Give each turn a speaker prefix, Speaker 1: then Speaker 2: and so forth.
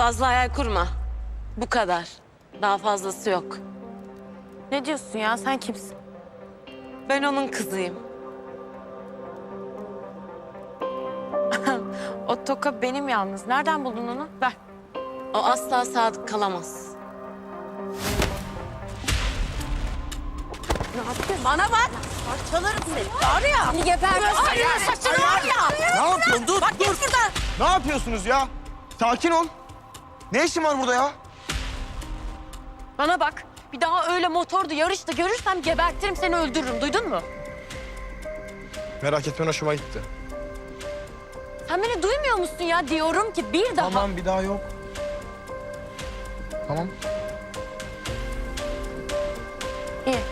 Speaker 1: Fazla hayal kurma. Bu kadar. Daha fazlası yok.
Speaker 2: Ne diyorsun ya? Sen kimsin?
Speaker 1: Ben onun kızıyım.
Speaker 2: O toka benim yalnız. Nereden buldun onu? Ver.
Speaker 1: O asla sadık kalamaz.
Speaker 2: Ne yapıyorsun?
Speaker 1: Bana bak. Parçalarım seni. Var ya.
Speaker 2: Seni gebertirim.
Speaker 1: Ay, saçını var ya.
Speaker 3: Ne yapıyorsun? Dur,
Speaker 1: Bak
Speaker 3: dur.
Speaker 1: git buradan.
Speaker 3: Ne yapıyorsunuz ya? Sakin ol. Ne işin var burada ya?
Speaker 2: Bana bak. Bir daha öyle motorda yarışta görürsem gebertirim seni öldürürüm. Duydun mu?
Speaker 3: Merak etme, hoşuma gitti.
Speaker 2: Sen beni duymuyor musun ya? Diyorum ki bir daha...
Speaker 3: Tamam, bir daha yok. Tamam.
Speaker 2: İyi.